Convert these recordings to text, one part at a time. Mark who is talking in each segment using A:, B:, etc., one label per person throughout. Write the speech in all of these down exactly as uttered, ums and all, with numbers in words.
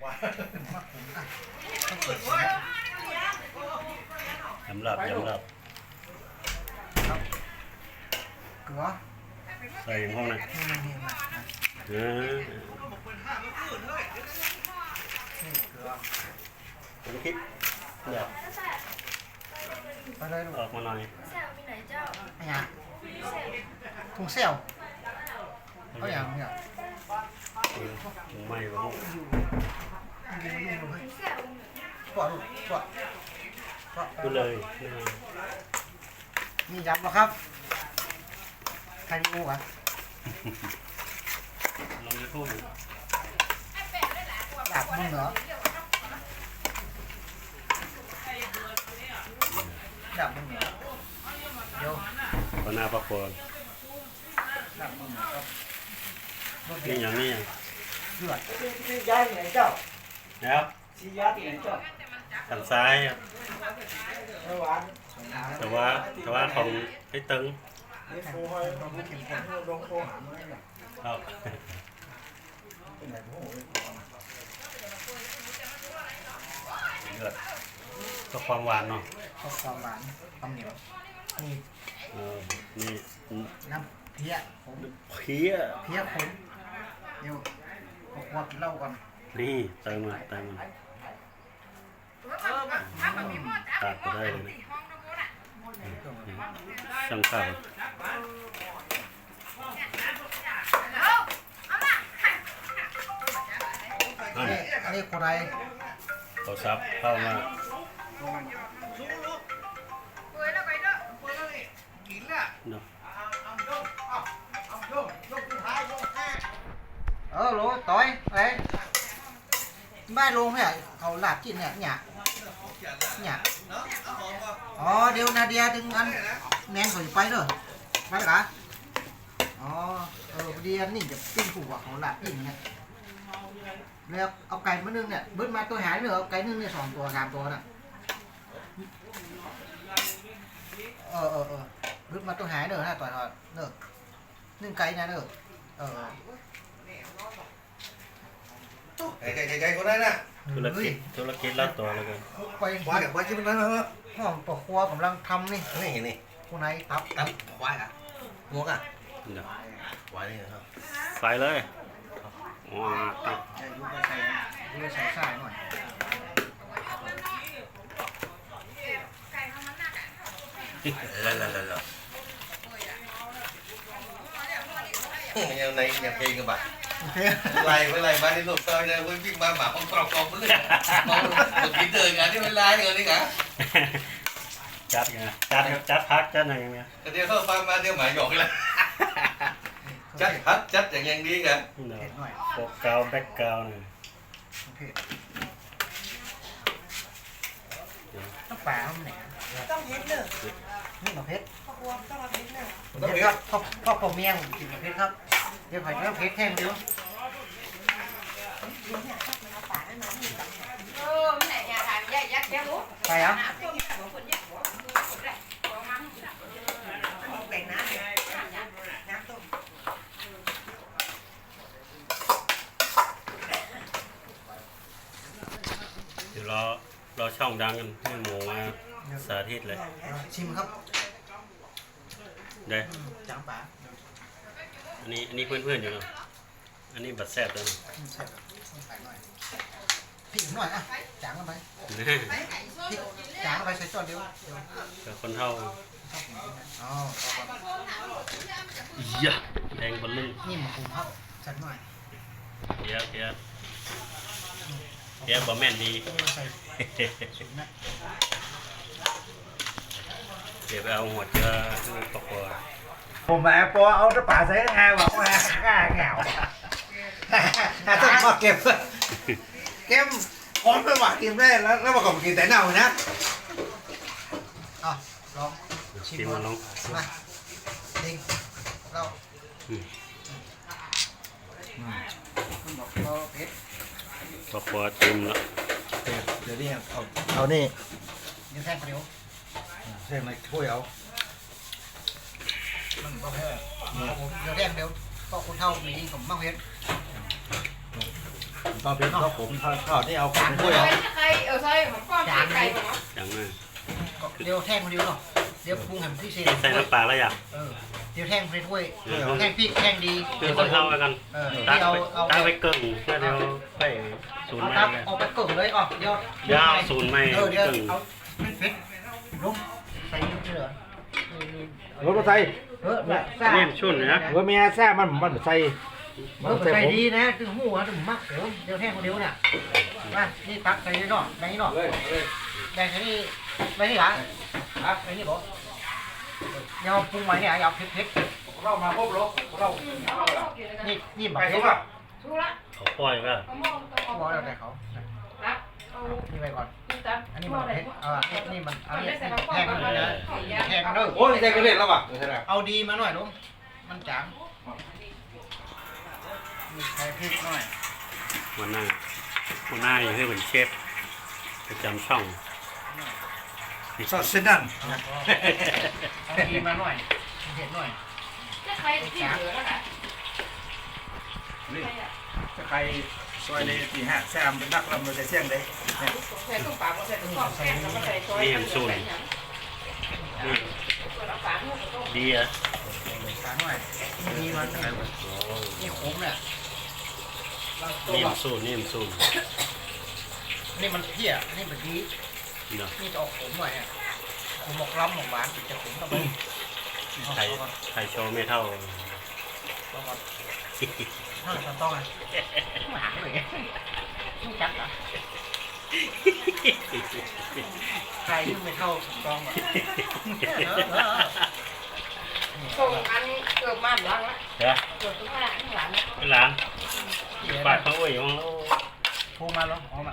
A: ยำลับยำลับ
B: เกลือ
A: ใส่ห้องนะเออผมคิดเดี๋ยว
B: ไปเลยลูก
A: ออกมาหน่อย
B: ไอ้ยาถุงเซลเขาอย่างเนี่ย
A: ถุงไม้บ้าง
B: ปอดลูกปอดปอด
A: ดูเลย
B: มียับหรอครับใครดูอ่ะ
A: ลองยูทูบ
B: ดับมึงเหรอดับมึงเหรอเดี๋ยว
A: ปนาปะโคน
B: ดับมึงเหรอ
A: นี่อย่างนี้อย่าง
B: เดือดชี้ย้ายที่ไหนเจ้า
A: นะครับ
B: ชี้ย้ายที่ไหนเจ้า
A: หันซ้ายครับ
B: แต่ว่า
A: แต่ว่าแต่ว่าของให้ตึงครับเดือดก็ความหวานเนาะ
B: ก็ความหวานความเหนียวนี่
A: เออนี่
B: น้ำเพี้ยผม
A: เพี้ย
B: เพี้ยผมเดี๋ยวขวดเหล้าก่อน
A: นี่เติมมาเติมมาตัดไปได้เลยนะช่างข้าว
B: อันนี้อันนี้คนไร
A: เขาซับเข้ามาเนาะ
B: เออโหลต่อยไอ้บ้านลงเนี่ยเขาหลับกินเนี่ยเนี่ยเนี่ยอ๋อเดี๋ยวนาเดียถึงอันแมนเขาจะไปเด้อไปเหรออ๋อเออเดียนี่จะปิ้งผูกว่าเขาหลับกินเนี่ยแล้วเอาไก่มานึ่งเนี่ยเบิ้ลมาตัวหายเนอะเอาไก่นึ่งเนี่ยสองตัวสามตัวน่ะเออเออเออเบิ้ลมาตัวหายเนอะนะต่อยทอดเนอะนึ่งไก่นะเนอะเออ
C: ไก่ไก่ไก่ไก่คนนั้นน่ะ
A: ธุรกิจธุรกิจละตัวแล้วกัน
B: ไป
C: ควายกับควายที่มันนั้นเหรอ
B: ห้องปะครัวกำลังทำนี่
C: นี่นี่
B: คนไหนตับ
C: ตับควายอ่ะงวกอ่ะ
A: เดี๋ยว
C: ควายนี่ครับ
A: ใส่เลยว้าตับ
B: ใส่ลูกไปใส่ลูกใส่ใส่หน่อย
C: แล้วแล้วแล้วยังในยังเพลงกันบ้างไล่ไม่ไล่บ้านที่หลบซอยเนี่ยวิ่งมาหมาของกรอบกรอบเลยมองหมดกินเดินกันที่ไม่ไล่เงินนี่กัน
A: จัดไงจัดจัดพักจัดอะไรอย่างเงี้ย
C: เดี๋ยวเข้าฟังมาเดี๋ยวหมาหยอกเลยจัดพักจัดอย่างยังดีกัน
A: โปกเกาแบ็กเกาหน่อย
B: ต้องปลาต้องไหน
D: ต้องเพชรเนอะ
B: นี่มาเพชร
D: พ่อครัวต้องมาเพชรเนอะ
B: เดี๋ยวครับพ่อพ่อผมเมียผมกินเพชรครับเดี๋ยวขอเนื้อเพชรแห้งเดี๋ยวไปอ่ะ
A: เดี๋ยวเราเราช่องดังกันให้หมูมาสาธิตเลย
B: ชิมครับ
A: ได้
B: จังป๋า
A: อันนี้อันนี้เพื่อนๆอยู่เนาะอันนี้บัดแซ่บเลย
B: พี่หน่อยอ่ะจางกันไปพี่จางกันไปใส่จอดเดียว
A: แต่คนเท่า
B: อ๋อ
A: เยอะแดงบนลึง
B: นี่มาปรุงครับจัดหน่อย
A: เยอะเยอะเยอะบะแม่นดีเดี๋ยวไปเอาหัวเจอตกตัว
C: ผมมาปอเอาตะป่าใส่แห้งบอกว่าข้าเหงาต้องมาเก็บเก็บพร้อมไปหวานกินได้แล้วแล้วมาก่อนกินแต่เน่านะ
B: อ่ะลอง
A: ชิมมาลอง
B: มาดิงเราคุณบอกเราเพชร
A: ตกตัวเต็มแล้ว
C: เดี๋ยวนี้เอาเอานี่
B: เดี๋ยวแท่งเดียว
C: เส้นในถ้วยเอา
B: มันก็แค่เดี๋ยวแท่งเดียวก็คนเท่ามีผมมากเพชร
C: ตอนเป็นข้าวผมทอดทอดนี่เอาของ
D: ใค
C: ถ้วย
D: ร
C: เอา
D: ใครเออใช่ผมก็ใส่ไก่ก่อนเนาะ
A: อย่างนั้น
B: เดี๋ยวแท่งคนเดียวเนาะเดี๋ยวปรุงให้มันพิเศษ
A: ใส่น้ำปลาแล้วอยาก
B: เออเดี๋ยวแท่งไปถ้วย
A: เดี๋ยว
B: แท่งพริกแท่งดี
A: คือคนเท่ากัน
B: เออ
A: ตัก
B: ที่เอา
A: ไป
B: เอา
A: ตักไปเกิ่งเพื่อเดี๋ยวไปศูนย์
B: เอา
A: ไม่
B: ตับ
A: เลย
B: เอาไปกึ่งเลยอ๋อเดี๋ยวย
A: าวศูนย์ไม่
B: เออเดี๋ยว
A: เกิ่ง
B: เอาเผ็ดลงใส่เยอะ
C: รถมาใส่
B: เออแบบซ่า
A: นี่ชุ่นนะ
C: เออเมียแซ่มันมันใส่
B: เออใส่ดีนะถึงหูอ่ะถึงมักเดี๋ยวเดี๋ยวแท่งคนเดียวเนี่ยมานี่ตักใส่นี่เนาะแบ่งนี่เนาะ
C: เลยเลย
B: แบ่งใส่นี่แบ่งนี่หลังอ่ะแบ่งนี่บอกเดี๋ยวปรุงใหม่เนี่ยเอาเผ็ดเผ็ด
C: เรามาพบรถเรา
B: นี่นี่แบบ
C: ไป
B: เผ็
C: ทุ
B: ด
C: กอ่ะ
D: ถูกละ
A: เขาปล่อยก็
D: เอามองตัว
B: บอกแล้วแต่เขา
D: ครับเอา
B: นี่ไปก่อน
D: ตับ
B: อันนี้มันเผ็ดเอาอ่ะนี่มันเอา
D: เอา
B: นี่
D: ได้ใส่
B: แท่ง
D: ข้าว
B: มัน
D: ก่อน
B: นะ
D: นะ
B: แท่งมันเด้อ
C: โอ้ยใจก็เล่นแล้วว่ะ
B: เอาดีมาหน่อยลุงมันจางมีใส่พริกหน่อย
A: วันหน้าวันหน้าอยู่ให้เป็นเชฟประจำช่อง
C: ซอสเส้นนั่น
B: เอาดีมาหน่อยเผ็ดหน่อย
D: จะใครที่เหลือแล้วค่ะ
C: นี่ถ้าใครซอยในตีห้าแซมเป็นนักลำเราจะเสี่ยงได้
D: ใส่ตุ้งปลาใส่ตุ้งข้าวแกงแล้วก็ใส่ซอย
A: นี่ ดีอ่ะ
B: ขาหน่อยดีมันนี่ขมเนี่ยเราตัว
A: นี่มันสูนนี่มันสูน
B: นี่มันเพี้ยนี่มันดี
A: เนาะ
B: นี่จะออกขมหน่อยอ่ะขมหมกล้ำหมกหวานจะขมต่อไป
A: ไข่ไข่โชว์ไม่เท่า
B: ต้องก่อนเท่าไหร่ต้องอ่ะหางเลยไม่จับอ่ะใครที่ไม่เท่าต้องอ่ะ
D: ส่งอันเกือบมาหลังละ
A: เดี๋ยว
D: เกือบตุ้งข้างข้างหลัง
A: เป็นหลานปาดเขาไว้ของเรา
B: พูมาแล้วออกมา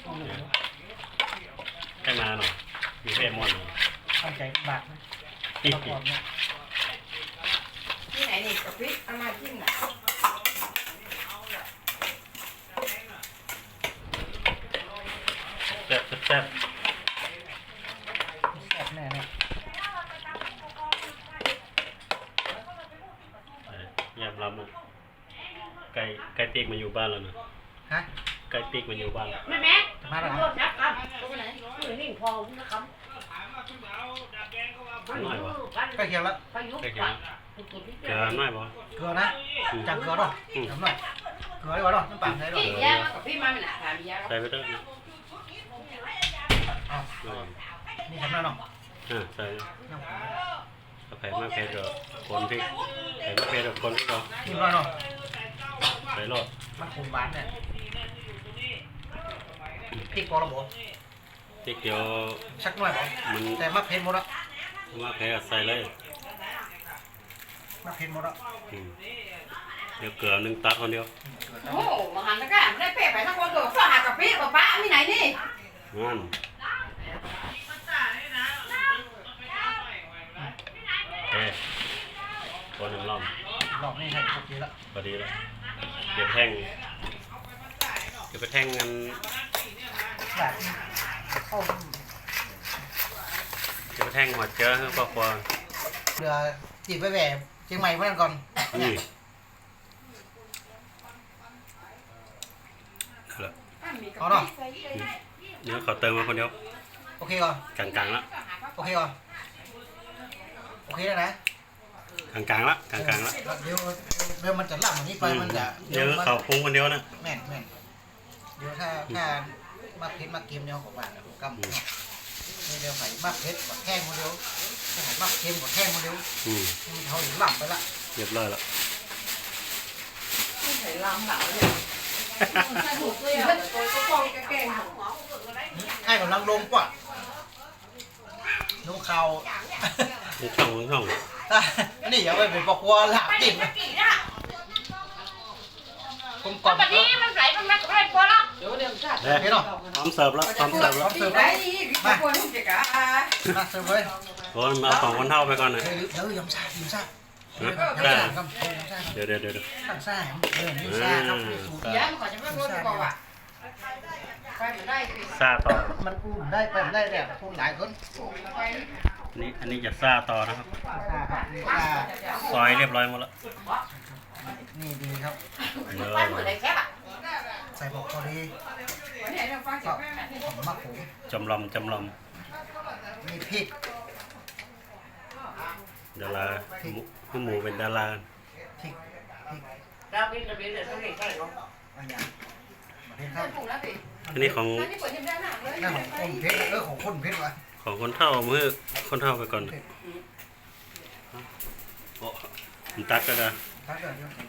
A: ให้มาหน่อยอยู่เทพมอน
B: ตั้งใจบาทนะ
A: ที่
B: ประกอบเนี่ย
D: ที่ไหนนี่กะปิเอามาจิ้มน่ะ
A: แซ่บแซ่บ
B: แซ่บแน่เนี่ย
A: ยำลำนะไก่ไก่ปีกมาอยู่บ้านแล้วนะ
B: ฮะ
A: ไก่ปีกมาอยู่บ้านแล้ว
D: แม่แม่
B: จะมาแล้ว
D: รถนับครับตัวไหนตัวนี้พอนะครับ
A: น้อยวะ
B: ใกล้เคียงแล้ว
D: ไปยุบ
A: ไก่
D: ไป
A: เขียวเกลือน้อยบ่
B: เกลือนะจับเกลือด้วยทำหน่อยเกลือดีกว่าด้วยน้ำปลาใส่ด้วย
D: พี่ยามากับพี่มาไม่หนาถามยา
A: ใส่ไปเถอะนะ
B: อ๋อนี่ทำหน่อยเนาะ
A: อ่าใส่
B: น้ำปลา
A: ถ้าไผ่มากเผ็ดก็คนพริกไผ่มากเผ็ดก็คนพริกก็
B: นี่หน่อยเนาะ
A: ใส่รส
B: มันขมหวานเนี่ยพริกพอแล้วบ่
A: พริกเดียว
B: สักหน่อยบ่
A: มัน
B: แต่มะเพ็ดหมดละ
A: มากเผ็ดก็ใส่เลย
B: มะเพ็ดหมดละ
A: อืมเดี๋ยวเกลือหนึ่งตัดคนเดียว
D: โอ้มาหันตะก้าไม่ได้เป๊ะไปทั้งคนตัวฝากกับพี่ป้าป้ามีไหนนี่
A: นั่นโอเคคนหนึ่งรอบ
B: รอบนี้ใส่ครบดีละ
A: พอดีแล้วเดี๋ยวแท่งเดี๋ยวไปแท่งกัน
B: แบบเข้า
A: เดี๋ยวไปแท่งหัวเจือให้ครอบครัว
B: เรือจีบไปแหวกเชียงใหม่เพื่อนก่อน
A: นี่นั่นแหละ
B: เอาเนาะ
A: เดี๋ยวเขาเติมมาคนเดียว
B: โอเคก่อน
A: กลางๆละ
B: โอเคก่อนโอเคแล้วนะ
A: กลางๆละกลางๆละ
B: เดี๋ยวเดี๋ยวมันจะล่ำอันนี้ไปมันจะ
A: เดี๋ยว
B: มัน
A: เขาปรุงคนเดียวนะ
B: แม่นแม่นเดี๋ยวถ้าถ้ามาเพชรมาเกมเนี่ยของบ้านนะกำนี่เดี๋ยวใส่มาเพชรกดแท่งคนเดียวใส่มาเค็มกดแท่งคนเดียว
A: อืม
B: มันเขาอยู่ล่ำไปละ
A: เรียบร้อยละ
D: ใส่ลำเหล่าเนี่ยใส่หูเกลียวตัวก็ฟองแกง
B: ให้กำลังลงกว่าลงเขา
A: มึงช่องมึงช่อง
B: อันนี้อย่าไปเป็นปอกวัวหลับติ่งผมก
D: ก็
B: ด
D: แบบนี้มันไหลมันไม่ได้พอแล้วเดี๋ยวเดี๋ยวชาติ
A: เฮ้ยพร้อมเสิร์ฟแล้วพร้อมเสิร์ฟแล้ว
D: ปีได้มาควรทุกอย่าง
B: มาเสิร์ฟเลย
A: โอ้ยมาเอาสองคนเท่าไปก่อนนะ
B: เฮ้ยเดี๋ยวยำซ่ายำซ่า
A: ฮะ
B: ยำ
A: ได้
B: ซ่ากำยำซ่า
A: เดี๋ยวเดี๋ยวเดี๋ยวเดี๋ยว
B: ยำซ่าเออนี่ซ่าครับนี่สูตร
D: ยามันก่อนจะไม่รู้ดีกว่าว่ะไปมันได้
A: ซาต่อ
B: มันอุ้มได้ไปได้เนี่ยพูดหลายคน
D: ไป
A: อันนี้อันนี้จะซาต่อนะครับ
B: ซ่าครับนี่ซ่า
A: ซอยเรียบร้อยหมดแล้ว
B: นี่ดีครับ
A: เดี๋ยว
D: ไปเหมือนอะไรแค่อ่ะ
B: ใส่บอกพอดี
D: วันนี้เราฟังเสียงแม่แม่
B: หอมมะขูด
A: จำลำจำล
B: มีพริก
A: ำดาราหมูคือหมูเป็นดารา
B: พริกพริก
D: เราเป็นระเบียบเดี๋ยวต้องเรียนใช่หรอ
B: อะไรอย่างประเทศค
D: ถ้า
B: รับ
D: ปรุงแล้วสิ
A: อันนี้ของ
D: อันนี้เปิดยังได้หนักเลย
B: นั่นของคนเพชรเออของคนเพชรวะ
A: ของคนเท่ามือคนเท่าไปก่อนโอ้ผมตักก็ได้
B: ถ้าเกิดเดี๋ยวผม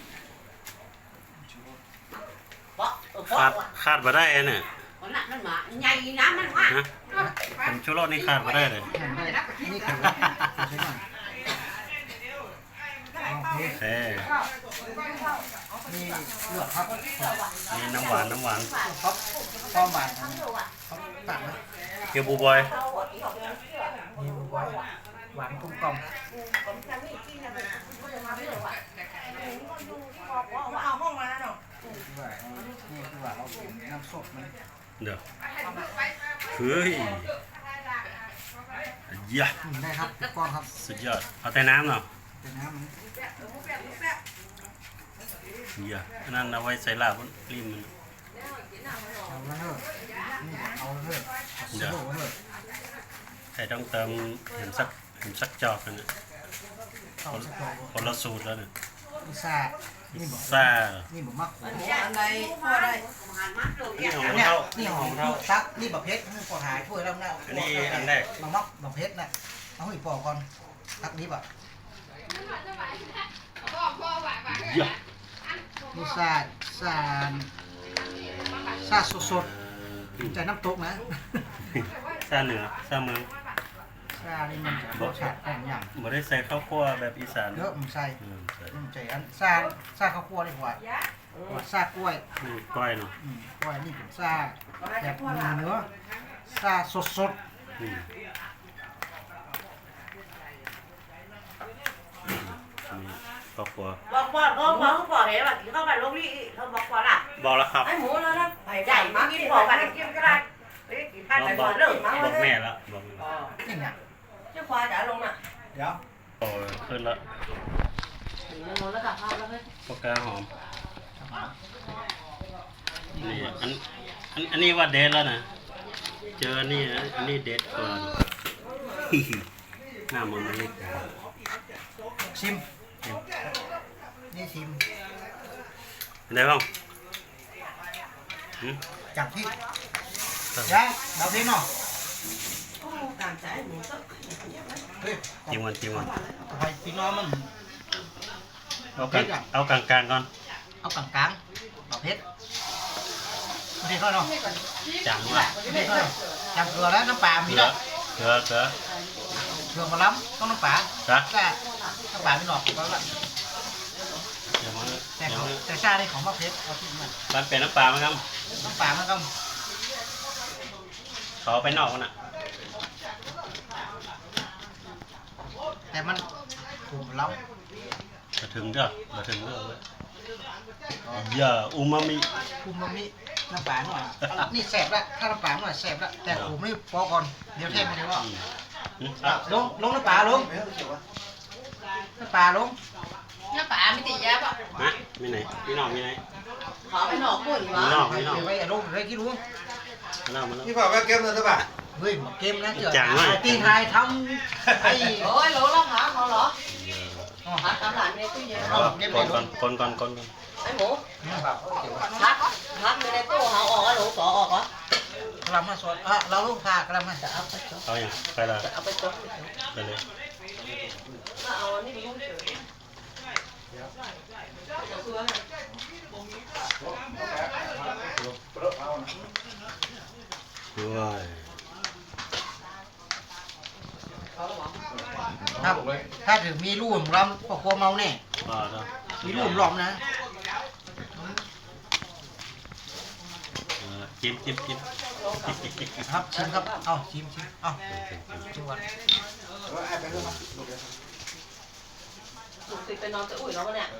D: เพราะเออเพ
A: คาด
D: ราะ
A: คาดมาได้เนี่ย
D: มันหนักมันหมาใหญ่น้ำมันมาก
A: นะผมชูรสนี่คาดมาได้เลย
B: แข่งได้นี่คือใช่ไหมโอเค
A: เอ้
B: นี่เลือดครับ
A: นี่น้ำหวานน้ำหวาน
B: ครับความหวานของเขาตัดนะ
A: เกี๊ยวบูบอย
B: นี่หวานหวานกลมกล่อม
D: เอาห้องมาแล้วเนาะ
B: คือว่านี่คือว่าเราเป็นน้ำสดมัน
A: เดี๋ยวเฮ้ยยะ
B: กินได้ครับก้อนครับ
A: สุดยอดเอาแต่น้ำเนาะ
B: แต่น้ำมัน
A: ยะอันนั้นเอาไว้ใส่ลาบริมมัน
B: เอาแล้วเถอะนี่เอาแล้วเถอะเอาเถอะเอาเถอะ
A: ใครต้องเติมเห็นสักเห็นสักจอกกันนะ
B: เอาสักตัว
A: คนละสูตรแล้วเนี่ย
B: นี่ซ่านี่บอก
A: ซ่า
B: นี่บอกมากขูด
D: อันใดพอได้
A: นี่ของ
B: อัน
A: คน
B: เนี้ย
A: เท่า
B: นี่หอม
A: เท่า
B: ซักนี่แบบเพชรนี่ปอดหายถ้วยแล้วนะ
A: อันนี้อันแรก
B: บางมักบางเพชรน่ะเอาอีกปอกก่อนซักนี้แบบ
A: ยะ
B: นี่ซาซาซาสดสดๆใจน้ำตกนะ
A: ซ่าเหนือซ่าเมือง
B: ซานี่มันจะรสชาติแต่งอย่าง
A: บ่ได้ใส่ข้าวคั่วแบบอีสาน
B: เยอะมันใส่
A: อืมใส่
B: มันใจอันซาซาข้าวคั่วดีกว่าว่าซากล้วย
A: นี่ก้อยเนาะ
B: อืมกล้วยนี่เป็นซาแบบเนื้อซาสดสด
A: อืมนี่ข้าวคั่ว
D: บอกบอกบอกบอกเขาบอกเห็นว่าเขาไปลงนี่เขาบอกว่าล่ะ
A: บอกแล้วครับ
D: ไอ้หมูแล้วนะใหญ่มากกินบอกกันกินก็ได้ไปกินข้าว
A: บ
D: ไป
A: อก
D: ก่อนเลิกมา
A: บ
D: เล
A: อก
D: ย
A: แม่แล้วบอก
B: ๆนี่เนี่ย
D: เจ้าควายจ๋าลงน่ะ
B: เดี๋ยว
A: โอ้ยขึ้นแล้ว
D: ลงแล้วกับข้าวแล้วเฮ้ย
A: ปากกาหอมนี่อันอันอันนี้ว่าเด็ดแล้วนะเจออันนี้นะอันนี้เด็ดกว่า หน้ามันมันเล็ก
B: ชิมนี่ชิม
A: ได้บ้างหืม
B: จากที่ยังเราเพียงเนาะ
D: ตามใจหมูก็
B: เฮ้ย
A: จิ้มวันจิ้มวัน
B: ไปพี่น้องมัน
A: เอากลางเอากลางกลางๆก่อน
B: เอากลางกลางเอาเพชรไม่ได้เข้าเนาะ
A: จางละ
B: ไม่ได้เข้าเนาะจำเกลือแล้วน้ำปลามี
A: เกลื
B: แล้
A: อ
B: ว
A: เกลือเกลือ
B: เกลือมาล้ำต้องน้ำปลา
A: จ้ะ
B: แต่น้ำปลาไม่หนอกก็แล้ว
A: เดี๋ยวมัน
B: แต่
A: เดี๋ยว
B: เขา
A: มัน
B: แต่ชาได้ของมะเพชรเอาที่มัน
A: มันเป็นน้ำปลาไหมครับ
B: น้ำปลามันก็
A: เขาเอาไปนอกมันอ่ะ
B: แต่มันถูกล้
A: มาถึงเด้อมาถึงเด้อเว้ยอย่าอูมามิ
B: ำคุมมันมีน้ำปลาหน่อยนี่แสบละถ้าน้ำปลาหน่อยแสบละแต่ผมไม่พอก่อนเดี๋ยวเทมาเดี๋ยวว่า
A: อืมอืมอ่ะ
B: ลงลงน้ำปลาลงน้ำปลาลง
D: น้ำปลาไม่ติดยาป่ะ
A: นะมีไหนพี่น้องมีไหน
D: ขอไปหนอกกุ้ง
A: มี
D: วะ
A: น้อง
B: ไป
A: มีน้อง
B: ไปลงเลยกี่รู้
A: มาแล้วมาแล้ว
C: นี่บอกว่าเก็บเงินหรือเปล่า
B: เฮ้ยหมดเกมนะเจอ
A: จังเลย
B: ตีไทยทำไอ้
D: โอ้ยรู้แล้วหาเขาเหรอหาตามหลานในตู้เย็น
A: เอาก่อนก่อนก่อนก่อนก่อนก่อน
D: ไอ้หมูพักพักในตู้หาออกแล้วหนูต่อออกเหรอก
B: ระมาสดอ่ะเราลูกพากระมาจะเอาไปจบ
A: เอาอย่างไปละ
D: จะเอาไปจบ
A: ไปเลย
D: มาเอาอันนี้ไปยุ่งเฉย
A: ด้วย
B: ครับถ้าถึงมีรูมล้ำก็กลัวเมาแน่
A: บ้าแล้ว
B: มีรูมล้อมนะ
A: เออจิ้มจิ้มจิ้ม
B: ครับชิมครับเอาชิมชิมเอาชิมก่อน
D: ถูกติดไปนอนจะอุ่ยแล้วเนี่ย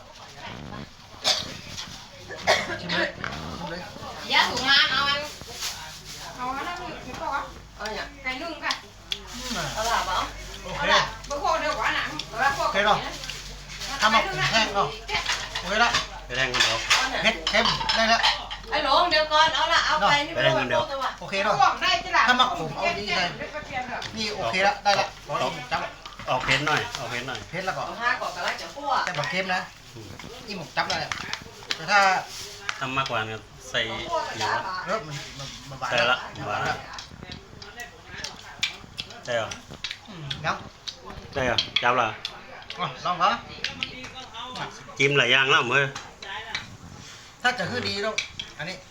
B: ชิมเลยชิมเลย
E: ยาถุงงานเอาอันเอาอันนั้นคือตัว
D: เอาเนี่ย
E: ไก่นึ่งค่ะ
B: อืม
D: เอาหลับเปล่า
B: โอ
E: เอา
B: เค
E: ละเบอร์โคเดียวกว่าหนังแล้วพวก
B: ทำมาแห้งเนาะโอเคละ
E: เ
A: ไปแทงกันเดี๋ยว
B: เผ็ดเค็มได้แล้ว
E: ไอ้หลงเดี๋ยวก่อนเอาละเอาไปนี่ไม่ต้องตัว
B: โอเคเนาะ
E: ห่วงได้จ้ะล่ะ
B: ถ้ามักผมเอาดีเลยนี่โอเคแล้วได้ละร้อยจับ
A: ออกเผ็ดหน่อยออกเผ็ดหน่อย
B: เผ็ดแล้วก็
E: เอาห้าก่อนก็แล้วจะคั่ว
B: แต่แบบเค็มนะนี่หมกจับแล้วแต่ถ้า
A: ทำมากกว่านี้ใส่เหนียว
B: เริ่มมันมันมันหวาน
A: ใส่ละหวานละใช่เหรอ
B: ยัง
A: ใช่เหรอจับละ
B: ลองเหรอ
A: จิ้มหลายอย่างแล้วเมื่อ
B: ถ้าจะคือดีต้องอันนี้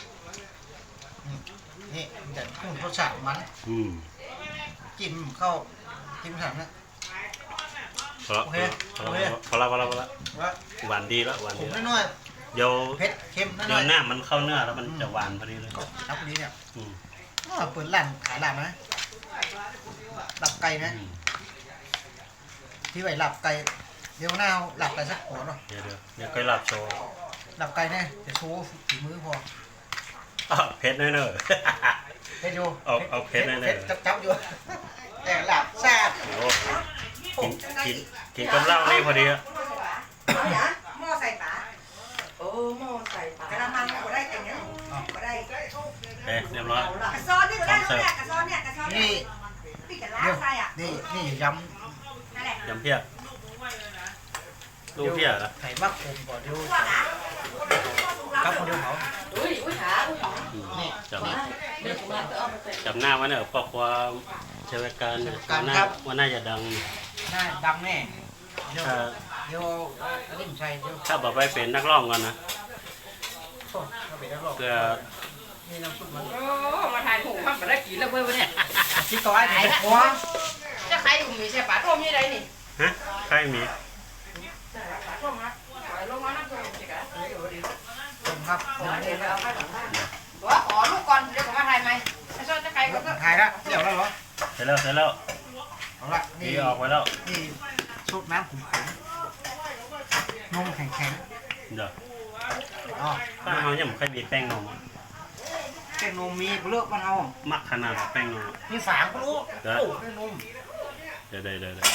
B: นี่มันจะพุ่งรสชาติมัน
A: อืม
B: จิ้มเข้าจิ้มถังนะ
A: พอละ
B: โอเค
A: พอ
B: โอเค
A: ละพอละพอละพอละ
B: ว่า
A: หวานดีแล้วหวาน
B: ผ
A: ดี
B: ม
A: แล้ว
B: น้อย
A: เดี๋ยว
B: ๆเผ็ดเค็มน้
A: เดี๋ย
B: อ
A: วย หน้ามันเข้าเนื้อแล้วมัน
B: อืม
A: จะหวานพอดีเลย
B: ๆก็รับนี้เนี่ย
A: อืม
B: อ้าวเปิดร้านขายลาบนะหลับไก่นะ
A: อืม
B: ที่ไว้หลับไก่เดี๋ยวหน้าเอาหลับไก่สักหัวเนาะ
A: เดี๋ยวเดี๋ยวเดี๋ยวค่อยลาบโชว์
B: หลับไก่แน่จะโชว์ฝีมือพอ
A: อ้าวเผ็ดแน่เนอะ
B: เผ็ดอยู่
A: เอาเอาเผ็ดแน่ๆ
B: เผ็ดจับจับอยู่ แต่หลับแซ่บ
A: โอ้กินกินกินกับเหล้านี่พอดีอะ
D: หม้อใส่ปลา
E: โอ้หม้อใส่ปลาก
D: ระมังก็ได้แต่เนี้ยก็ได้
A: โอเคเรียบร้อย
D: กระซอนนี่ก็ได้เนี่ยกระซอนเนี่ยกระซอนเนี่ย
B: นี่
D: พี่จะล้า
B: เดี๋ยว
D: ใส่อ่ะ
B: นี่นี่ย
D: นั่นแหละ
A: ยำเพี้ย
B: ำ
A: ลูกเพี้ยเหรอ
B: ไข่มักผมก่อนเดี๋ยว
D: พวกอ่ะ
B: ครับคนเดียวเขา
E: อุ้ยอุ้ยขาอุ้ยขา
A: อืม
B: นี่
A: จับ
E: เดี๋ยวผมมาเอาไปเป็น
A: จับหน้าไว้เนี่ยเพราะความใช้เวลาการเนี่ยว่าน่าว่าน่าจะดัง
B: น่าดังแน่เดี๋ยว
A: ถ้า
B: เดี๋ยวอันนี้ผมใช่เดี๋ยว
A: ถ้าบอกไปเป็นนักร้องกันนะ
B: โอ้เอาไปแล้วหรอก
A: เพื่อ
B: นี่น้ำซุปมัน
E: โอ้มาถ่ายถูกมันมาได้กินแล้วเว้ยวันนี้
B: ที่ต่อไอ้เผ็ดหัว
E: จะใครอยู่มีใช่ปลาต้มยี่ไรนี่
A: ฮะใครมี
E: ปลาต้มนะปล่อยลงมาน้ำต้มสิกะ
B: ผมครับ
E: เดี๋ยวเดี๋ยวเอาไปก่อนว่าขอลูกก่อนเดี๋ยวผมมาถ่ายไหมไอ้ซ้อนจะใครก็
B: ถ่ายละเดี๋ยวแล้วเหรอ
A: เสร็จแล้วเสร็จแล้ว
B: เอาละ
A: ดี
B: นี่
A: ออกไปแล้ว
B: นี่ซุปน้ำขุ่นๆนมแข็ง
A: เดี๋ยว
B: ๆอ๋อ
A: ถ้าเอาเนี่ยผมเคยมีแป้งนม
B: แป้งนมมีเลือกมันเอา
A: มักขนาดแป้งนม
B: มีฝางก็รู้
A: เดี๋ยว
B: โอ้แป้งนม
A: เดี๋ยวเดี๋ยวเดี๋ยวเดี๋ยว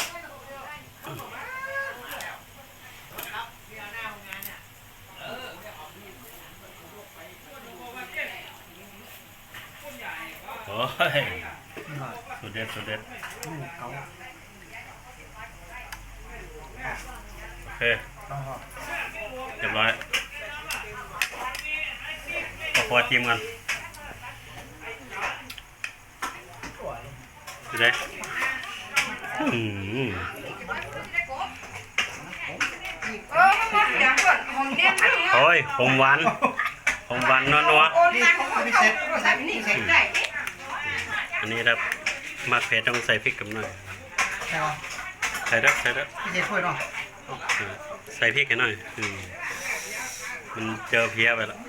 A: โอ้ย
B: นี่หน่อย
A: สุดเด็ดสุดเด็ด
B: ลูกเขา
A: โอเค
B: ต้องหอ
A: เรียบร้อยก็พอทีมกันดูได้อืม
D: เออมันเดี๋ยวก่อนของเนี้ยมัน
A: โอ้ยผมหวานผมหวานนัวนัว
D: โอนมาของเขาใส่นี่ใส่ได้
A: ๆอันนี้ครับมาเผ็ดต้องใส่พริกกับหน่อย
B: ใช่ไหม
A: ใส่ด้วยใส่ด้วย
B: พี่เจ๊ช่วยหน่อย
A: เออใส่พริกกันหน่อยอืมมันเจอเพี้ยไปแล้ว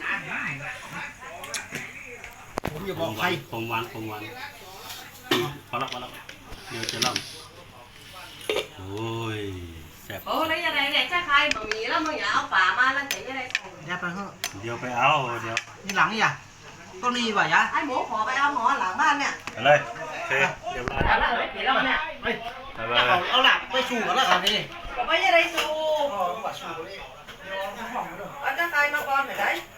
B: ผมอย่า
A: ผ
B: บอก
A: มห
B: ใคร
A: วานผมหวานผมหวานพอละพอละเดี๋ยวจะล่ำโอ้ยแซ่บ
E: โอ้แล้วยังไงเนี่ยจะใครบะหมี่แล้วมึงอย่าเอาป่ามาแล้วแต่ยังไง
B: อย่าไปเถอะ
A: เดี๋ยวไปเอาเดี๋ยว
B: นี่หลังนี่อ่ะต้นนี้ว่ะยะ
E: ไอ้หมูขอไปเอาหมอหลังบ้านเนี่ย
A: ไปเลยโอเคเรียบร้อย
E: เอาละไม่ผิดแล้วเนี่ย
B: เฮ้ย
A: ไปไป
B: เอาเอาหลักไปสู่กันแล้วกันนี่
E: ก็ไม่ยังไงสู้
B: อ๋อว่าสู่เลยเดี๋ยวเอาห้องมาด้วย
E: เอาจะใครมาก่อนไหนได้
B: เ